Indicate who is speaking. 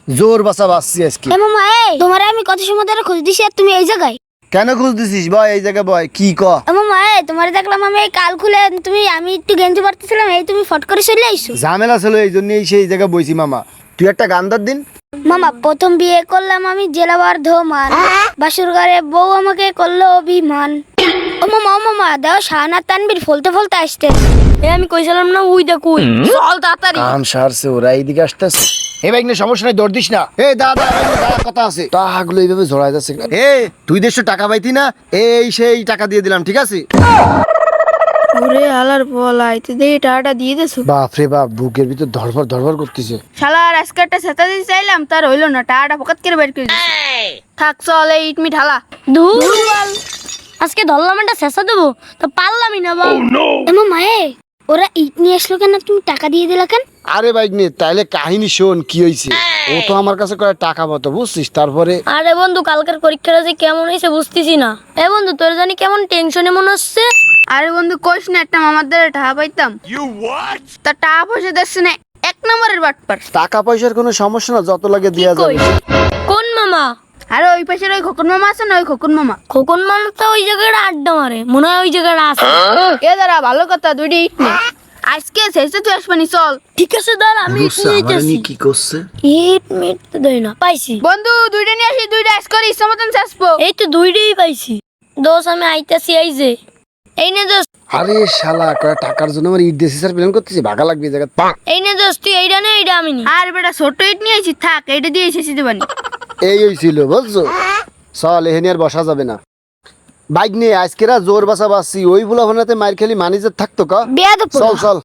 Speaker 1: জোর বাসা বাসছি আজকে।
Speaker 2: এ মামা তোমারে আমি কত সময় ধরে খোঁজ দিছি আর তুমি এই জায়গায়।
Speaker 1: কেন খোঁজ দিছিস বয়? এই জায়গায় বয়, কি ক?
Speaker 2: এ মামা তোমারে দেখলাম আমি এই কাল খুলে আমি একটু গেঞ্জি পরতেছিলাম, এই তুমি ফট করে চলে আইছো।
Speaker 1: ঝামেলা ছিল এই জন্যই সেই জায়গায় বইছি মামা। তুই একটা গান ধর দিন।
Speaker 2: মামা প্রথম বিয়ে করলাম আমি জেলা বর্ধমান, বাসুর ঘরে বউ আমাকে করলো অভিমান। ও মামা দাও শাহানা তানবীর ফলতে ফলতে আসতে। আমি কইছিলাম না উই দেখ উই চল তাড়াতাড়ি।
Speaker 1: কাম সারছে, ওরা এইদিকে আসতেছে। এ ভাই সমস্যা নাই, দৌড় দিস না। এ দাদা কথা আছে, টাকাগুলো এইভাবে জড়াই যাচ্ছে। এ তুই দেড়শো টাকা পাইতি না, এই সেই টাকা দিয়ে দিলাম, ঠিক আছে?
Speaker 3: ওরে আলার বলাই তুই দেখি টাকাটা দিয়ে দেছো।
Speaker 1: বাপ রে বাপ, বুকের ভিতর ধরফর ধরফর করতেছে।
Speaker 3: শালার আজকে একটা সেতা দিতে চাইলাম, তার হইলো না, টাকাটা পকেট করে বের করে দিছে। থাক চল এই ইট মিট হালা।
Speaker 2: ধুর আজকে ধরলাম একটা শেষা দেবো তো পারলামই না বাবা। এ মামা ওরা ইট নিয়ে আসলো কেন, তুমি টাকা দিয়ে দিলা কেন?
Speaker 1: আরে বাইক নে, তাইলে কাহিনী শোন কি হয়েছে। ও তো আমার কাছে কয় টাকা মতো, বুঝছিস? তারপরে
Speaker 2: আরে বন্ধু কালকের পরীক্ষাটা যে কেমন হয়েছে বুঝতেছি না। এ বন্ধু তোর জানি কেমন টেনশনে মনে হচ্ছে।
Speaker 3: আরে বন্ধু কইস না, একটা মামার দ্বারা টাকা পাইতাম, তার টাকা পয়সা দেখছে না, এক নম্বরের বাটপার।
Speaker 1: টাকা পয়সার কোনো সমস্যা না, যত লাগে দেয়া যাবে।
Speaker 2: কোন মামা?
Speaker 3: আরে ওই পাশের ওই খোকন মামা আছে না, ওই খোকন মামা।
Speaker 2: খোকন মামা তো ওই জায়গাটা আড্ডা মারে, মনে হয় ওই জায়গাটা আছে।
Speaker 3: এ দাঁড়া ভালো কথা, দুইটা ইট নে। আজকে শেষে তুই আসবানি চল।
Speaker 2: ঠিক আছে দাঁড়া আমি ইট নিয়ে যাচ্ছি।
Speaker 1: কি করছে?
Speaker 2: ইট মিট তো দেই না, পাইছি।
Speaker 3: বন্ধু দুইটা নিয়ে আসি, দুইটা আজ করে ইচ্ছা মতন চাষবো।
Speaker 2: এই তো দুইটাই পাইছি। দোষ আমি আইতাছি এই যে। এই নে দোষ,
Speaker 1: আরে শালা, কয় টাকার জন্য আমার ইট দেশি স্যার প্ল্যান করতেছি, ভাগা লাগবে এই জায়গা।
Speaker 2: এই নে দোষ, তুই এইটা নে, এইটা আমি নি।
Speaker 3: আর বেটা ছোট ইট নিয়ে আসি, থাক এইটা দিয়ে শেষে দেবানি।
Speaker 1: এই হইছিল বুঝছো। চল এখানে আর বসা যাবে না। বাইক নিয়ে আজকেরা জোর বাসা বাসছি, ওই বুলা ভানাতে মার খেলি ম্যানেজার থাকতো কা।
Speaker 2: বেয়াদব
Speaker 1: চল চল।